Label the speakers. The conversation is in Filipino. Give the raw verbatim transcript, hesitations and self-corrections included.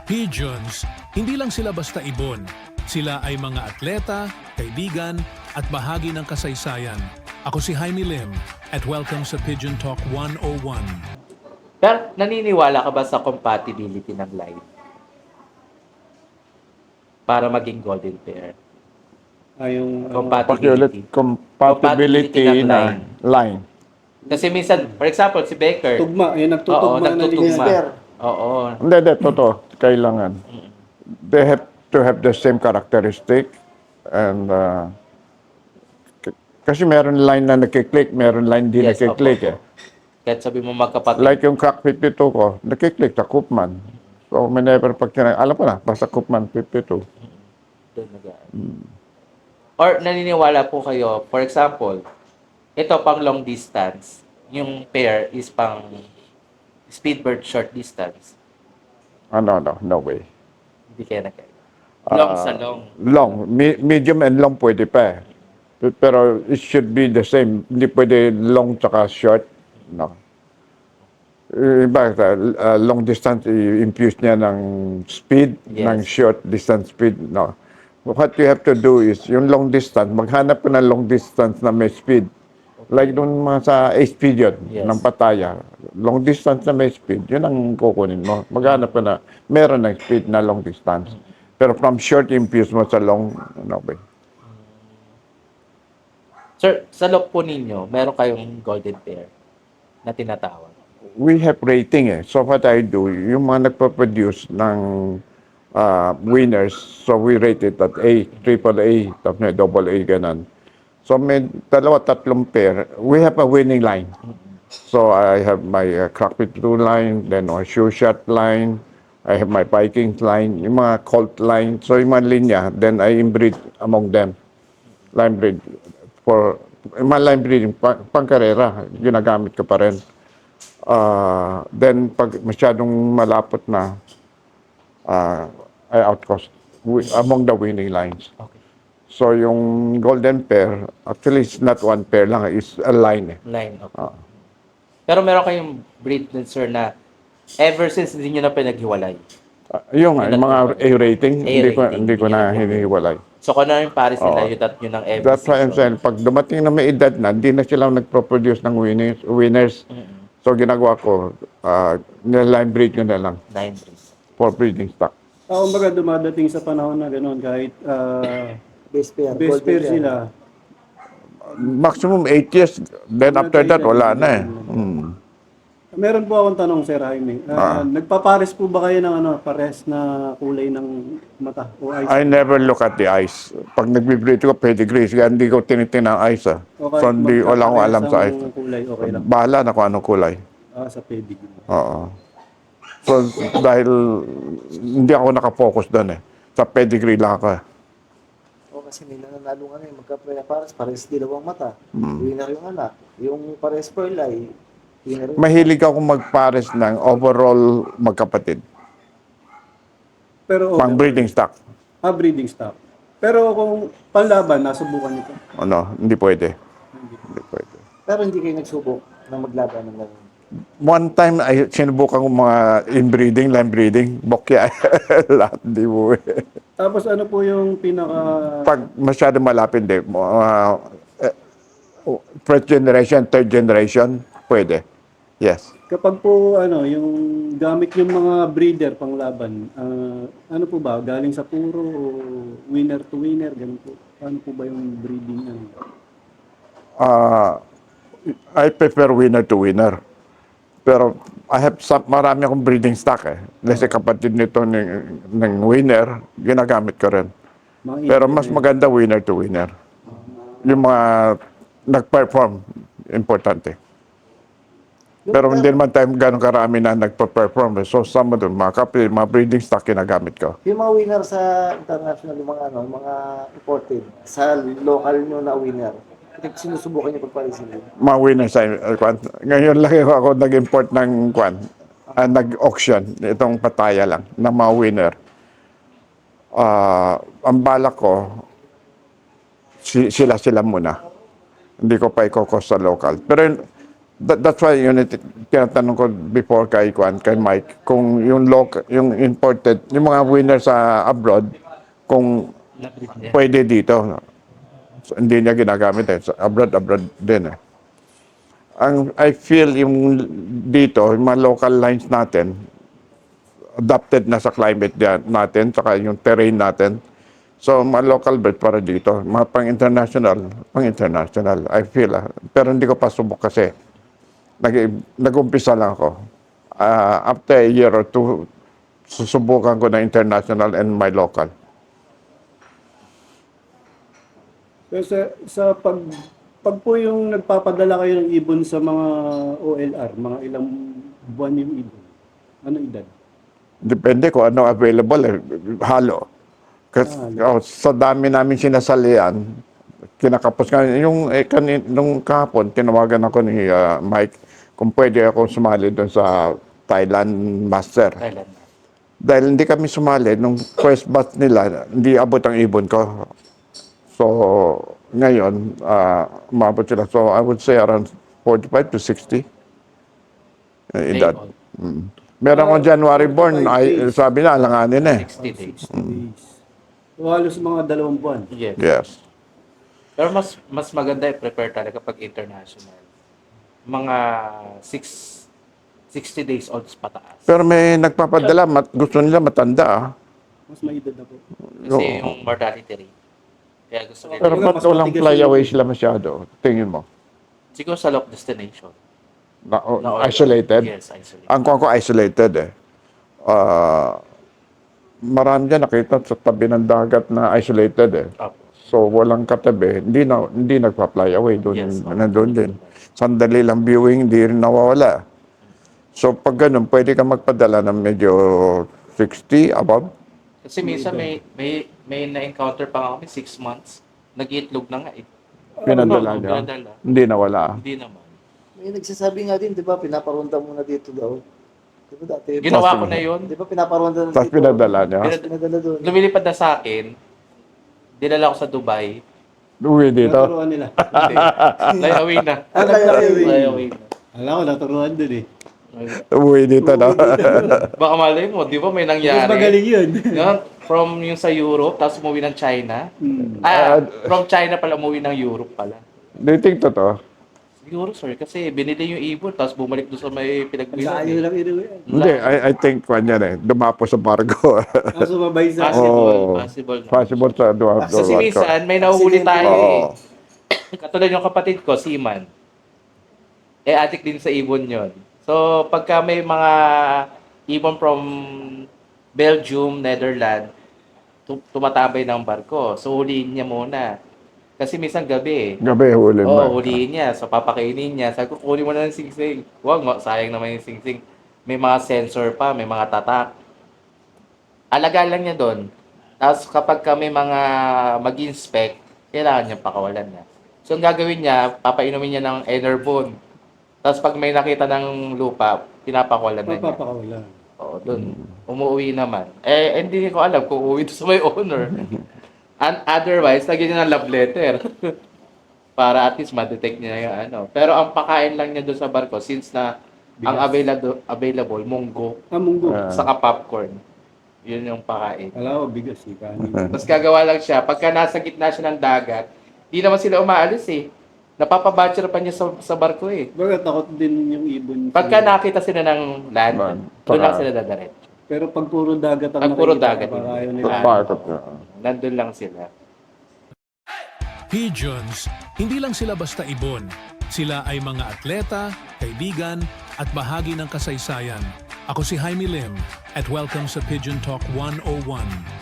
Speaker 1: Pigeons, hindi lang sila basta ibon. Sila ay mga atleta, kaibigan, at bahagi ng kasaysayan. Ako si Jaime Lim at welcome sa Pigeon Talk one oh one.
Speaker 2: Pero naniniwala ka ba sa compatibility ng line? Para maging golden pair?
Speaker 3: Ah, yung, ano,
Speaker 2: Compatibility.
Speaker 4: Pakiulit, compatibility
Speaker 2: ng
Speaker 4: na
Speaker 2: line.
Speaker 4: line.
Speaker 2: Kasi minsan, for example, si Becker.
Speaker 3: tugma, yung
Speaker 2: Oo,
Speaker 3: nagtutugma na
Speaker 2: nagtutugma.
Speaker 3: linya.
Speaker 2: Oo.
Speaker 4: Hindi, hindi, totoo. Kailangan. They have to have the same characteristic. And, uh, k- kasi meron line na nakiklik, meron line di
Speaker 2: Yes,
Speaker 4: nakiklik
Speaker 2: opo.
Speaker 4: eh.
Speaker 2: Kahit sabi mo magkapatid.
Speaker 4: Like yung crack fifty-two ko, nakiklik sa Koopman. So, whenever pag tinag- alam ko na, basta Koopman fifty-two.
Speaker 2: Doon nag- Or naniniwala po kayo, for example, ito pang long distance, yung pair is pang speedbird short distance.
Speaker 4: Ano, no, no way.
Speaker 2: Hindi kaya na kayo. Long
Speaker 4: Ah,
Speaker 2: sa long.
Speaker 4: Long. Me- medium and long pwede pa eh. P- Pero it should be the same. Hindi pwede long tsaka short. No. Iba, uh, long distance, i-infuse niya ng speed,
Speaker 2: Yes.
Speaker 4: ng short distance speed. No. What you have to do is, yung long distance, maghanap ka ng long distance na may speed. Like doon mga sa Ace Pigeon
Speaker 2: Yes.
Speaker 4: ng Pattaya. Long distance na may speed, yun ang kukunin mo. Maghanap ka na, meron ng speed na long distance. Pero from short, infuse mo sa long, ano ba?
Speaker 2: Sir, sa look po ninyo, meron kayong golden pair na tinatawag.
Speaker 4: We have rating eh. So what I do, yung mga nagpa-produce ng uh, winners, so we rate it at A, triple A, tapos may double A, ganun. So may dalawa, tatlong pair. We have a winning line. So I have my uh, crack fifty-two line, then my shoe shot line, I have my Vikings line, yung mga Colt line. So yung mga linya, then I inbreed among them. Line breed. For yung mga line breeding, pang, pangkarera, ginagamit ko pa rin. Uh, then pag masyadong malapot na, uh, I outcost wi- among the winning lines.
Speaker 2: Okay.
Speaker 4: So yung golden pair, actually it's not one pair lang, it's a line eh.
Speaker 2: Line, okay.
Speaker 4: Ah.
Speaker 2: Pero meron kayong breed din, sir, na ever since hindi nyo na pinaghiwalay.
Speaker 4: Uh, yung nga, yung mga A rating, hindi ko,
Speaker 2: A-rating,
Speaker 4: hindi ko
Speaker 2: hindi
Speaker 4: na
Speaker 2: nyo na
Speaker 4: hinihiwalay.
Speaker 2: So kung ano yung pares nila,
Speaker 4: Oo.
Speaker 2: yung tat nyo ng every
Speaker 4: That's why I'm
Speaker 2: season.
Speaker 4: saying, pag dumating na may edad na, hindi na sila nagpo-produce ng winners. winners.
Speaker 2: Mm-mm.
Speaker 4: So ginagawa ko, uh, line breed ko na lang
Speaker 2: Nine breeds.
Speaker 4: for breeding stock.
Speaker 3: Ah, kumbaga dumadating sa panahon na gano'n kahit uh,
Speaker 5: Best pair,
Speaker 3: best
Speaker 5: golden
Speaker 3: pair
Speaker 5: pair.
Speaker 3: sila.
Speaker 4: Maximum eight years, then after that, wala na eh. Hmm.
Speaker 3: Meron po akong tanong, Sir Jaime. Ah,
Speaker 4: Ah.
Speaker 3: Nagpapares po ba kayo ng ano, pares na kulay ng mata o eyes?
Speaker 4: I never look at the eyes. Pag nagbe-breed ko, pedigree. Kaya hindi ko tinitingnan ang eyes. Ah.
Speaker 3: O kahit
Speaker 4: So hindi, wala akong alam sa eyes.
Speaker 3: magkaparehas ang kulay, okay lang.
Speaker 4: Bahala na kung anong kulay.
Speaker 3: Ah, sa pedigree.
Speaker 4: Oo. So dahil hindi ako nakafocus doon eh. Sa pedigree lang ako eh.
Speaker 5: O kasi may nananalo nga ngayon, magka-pares, pares, pares dilawang mata.
Speaker 4: Hmm.
Speaker 5: Winner yung anak. Yung pares pearl eye, winner yung
Speaker 4: Mahilig ako magpares ng overall magkapatid.
Speaker 3: Pero okay.
Speaker 4: Pang breeding stock.
Speaker 3: Ah, breeding stock. Pero kung panlaban, nasubukan niyo po.
Speaker 4: Ano, hindi pwede. Hindi pwede.
Speaker 5: Pero hindi kayo nagsubok na maglaban ng ganun.
Speaker 4: One time, ay, sinubukan ko mga inbreeding, line breeding, bokya. Lahat, di mo eh.
Speaker 3: Tapos ano po yung pinaka...
Speaker 4: Pag masyado malapit, di, uh, eh, first generation, third generation, pwede. Yes.
Speaker 3: Kapag po ano, yung gamit yung mga breeder pang laban, ah, ano po ba? Galing sa puro o winner to winner? Ganun po. Ano po ba yung breeding? Ano?
Speaker 4: Uh, I prefer winner to winner. Pero I have some, marami akong breeding stock eh. Kasi kapatid nito ng, ng winner, ginagamit ko rin.
Speaker 3: Mga
Speaker 4: Pero
Speaker 3: Indian
Speaker 4: mas
Speaker 3: eh.
Speaker 4: maganda winner to winner. Yung mga nag-perform, importante.
Speaker 5: Yung
Speaker 4: Pero hindi
Speaker 5: mga-
Speaker 4: naman tayo gano'ng karami na nagpa-perform. So, some of them, mga kapatid, mga breeding stock ginagamit ko.
Speaker 5: Yung mga winner sa international, yung mga ano, yung mga imported, sa local nyo na winner, sinusubukan nyo pagpalisin nyo.
Speaker 4: Mga winner sa uh, kwan. Ngayon lang ako nag-import ng kwan, uh, nag-auction, itong Pattaya lang, ng mga winner. Ah, ang balak ko, si, sila-sila muna. Hindi ko pa ikokos sa local. Pero That, that's why yun, it- tinatanong ko before kay Kwan, kay Mike, kung yung local, yung imported, yung mga winners sa abroad, kung
Speaker 2: Na-
Speaker 4: pwede dito. So, hindi niya ginagamit eh. Sa abroad, abroad din eh. Ang I feel yung dito, yung mga local lines natin, adapted na sa climate diyan natin, saka yung terrain natin. So, mga local bird para dito. Mga pang-international, pang-international, I feel ah. Pero hindi ko pa subok kasi. Nag, nag-umpisa lang ako. Ah, after a year or two, susubukan ko na international and my local.
Speaker 3: Pero sa, sa pag, pag po yung nagpapadala kayo ng ibon sa mga O L R, mga ilang buwan yung ibon, ano edad?
Speaker 4: Depende kung ano available eh. Halo. Kasi oh, sa dami namin sinasalian, kinakapos nga. Yung eh, kanin, nung kahapon, tinawagan ako ni ah, Mike kung pwede ako sumali doon sa Thailand Master.
Speaker 2: Thailand.
Speaker 4: Dahil hindi kami sumali, nung first batch nila, hindi abot ang ibon ko. So, ngayon, uh, umabot sila. So, I would say around forty-five to sixty. Uh, edad.
Speaker 2: Day old.
Speaker 4: Mm. Meron akong January born, ay, sabi na, alanganin eh.
Speaker 2: sixty days.
Speaker 3: Days. So, halos mga dalawang buwan.
Speaker 2: Yes.
Speaker 4: Yes.
Speaker 2: Pero mas mas maganda i-prepare talaga pag international. Mga six, sixty days olds pataas.
Speaker 4: Pero may nagpapadala, mat, gusto nila matanda ah.
Speaker 3: Mas may edad na po.
Speaker 2: Kasi yung mortality rate. Kaya gusto nila.
Speaker 4: Pero
Speaker 3: Kumbaga,
Speaker 4: ba't
Speaker 3: mas
Speaker 4: walang
Speaker 3: matigas
Speaker 4: fly
Speaker 3: yung-
Speaker 4: away sila masyado? Tingin mo.
Speaker 2: Siguro sa lock destination.
Speaker 4: Na, oh,
Speaker 2: Na-
Speaker 4: isolated?
Speaker 2: Yes, isolated.
Speaker 4: Ang kuha ko isolated eh. Ah, marami dyan nakita sa tabi ng dagat na isolated eh.
Speaker 2: Opo.
Speaker 4: So walang katabi, hindi na hindi nagpa-fly away doon,
Speaker 2: Yes, okay.
Speaker 4: nandoon din. Sandali lang viewing, hindi rin nawawala. So pag ganun, pwede ka magpadala ng medyo sixty above.
Speaker 2: Kasi minsan may may may na-encounter pa nga kami six months. Nag-iitlog na nga eh.
Speaker 4: Pinadala
Speaker 2: Oo,
Speaker 4: niya.
Speaker 2: pinadala.
Speaker 4: Hindi nawala.
Speaker 2: Hindi naman.
Speaker 5: May nagsasabi nga din, di ba, pinaparonda muna dito daw. Di ba dati?
Speaker 2: Ginawa ko na yun.
Speaker 5: Di ba pinaparonda na
Speaker 4: Tapos
Speaker 5: dito?
Speaker 4: pinadala niya.
Speaker 2: Pinad-
Speaker 5: Pinadala doon.
Speaker 2: Lumilipad na sa akin. Dinala ko sa Dubai.
Speaker 4: Uwi dito.
Speaker 3: Naturuan nila.
Speaker 2: Hindi. Lay away na.
Speaker 5: Ah, lay away.
Speaker 2: Lay away na.
Speaker 3: Alam ko, naturuan dun eh.
Speaker 4: Uwi dito na.
Speaker 2: Baka malay mo, di ba may
Speaker 3: Mas
Speaker 2: nangyari?
Speaker 3: magaling yun.
Speaker 2: Yan, from yung sa Europe, tapos umuwi ng China.
Speaker 3: Hmm.
Speaker 2: Ah, from China pala umuwi ng Europe pala.
Speaker 4: Do you think totoo?
Speaker 2: Siguro, sir, kasi binili yung ibon, tapos bumalik doon sa may
Speaker 3: Ang
Speaker 2: pinagbilan.
Speaker 3: layo
Speaker 2: Eh.
Speaker 3: lang inuwi.
Speaker 4: Hindi, I, I think kwan yan eh. Dumapo sa barko.
Speaker 3: Ang sumabay sa...
Speaker 2: Possible,
Speaker 4: Oh.
Speaker 2: possible. na.
Speaker 4: Possible sa duwa.
Speaker 2: Kasi minsan, may nahuhuli tayo
Speaker 4: Oo.
Speaker 2: eh. Katulad yung kapatid ko, Seaman. Eh, addict din sa ibon yon. So, pagka may mga ibon from Belgium, Netherlands, tu- tumatabay ng barko. So, huliin niya muna. Kasi minsan gabi eh.
Speaker 4: Gabi huli mo.
Speaker 2: Oo, oh, huliin niya. So, papakainin niya. Sabi ko, kunin mo na ng singsing. Huwag, ma- sayang naman yung singsing. May mga sensor pa, may mga tatak. Alaga lang niya doon. Tapos kapag ka may mga mag-inspect, kailangan niya pakawalan niya. So, ang gagawin niya, papainumin niya ng Enervon. Tapos pag may nakita ng lupa, pinapakawalan na niya.
Speaker 3: Papapakawala.
Speaker 2: Oo, doon. Umuwi naman. Eh, hindi ko alam kung uuwi to sa may owner. And otherwise, lagyan niya ng love letter. Para at least ma-detect niya yung ano. Pero ang pakain lang niya doon sa barko, since na ang available, available munggo,
Speaker 3: Ah, munggo.
Speaker 4: Ah.
Speaker 2: saka popcorn. Yun yung pakain.
Speaker 3: Alam ko, bigas eh. Kanin.
Speaker 2: Tapos gagawa lang siya, pagka nasa gitna siya ng dagat, di naman sila umaalis eh. Napapabatcher pa niya sa, sa barko eh.
Speaker 3: Baga, takot din yung ibon.
Speaker 2: Pagka nakita sila ng land,
Speaker 4: Man,
Speaker 2: doon lang
Speaker 4: saka-
Speaker 2: sila dadaretso.
Speaker 3: Pero pag puro dagat ang
Speaker 2: Pag puro
Speaker 3: nakikita,
Speaker 2: dagat,
Speaker 3: baka ayaw
Speaker 2: hindi.
Speaker 3: nila.
Speaker 2: Ah.
Speaker 4: Bakit na?
Speaker 2: Nandun lang sila.
Speaker 1: Pigeons, hindi lang sila basta ibon. Sila ay mga atleta, kaibigan, at bahagi ng kasaysayan. Ako si Jaime Lim at welcome sa Pigeon Talk one oh one.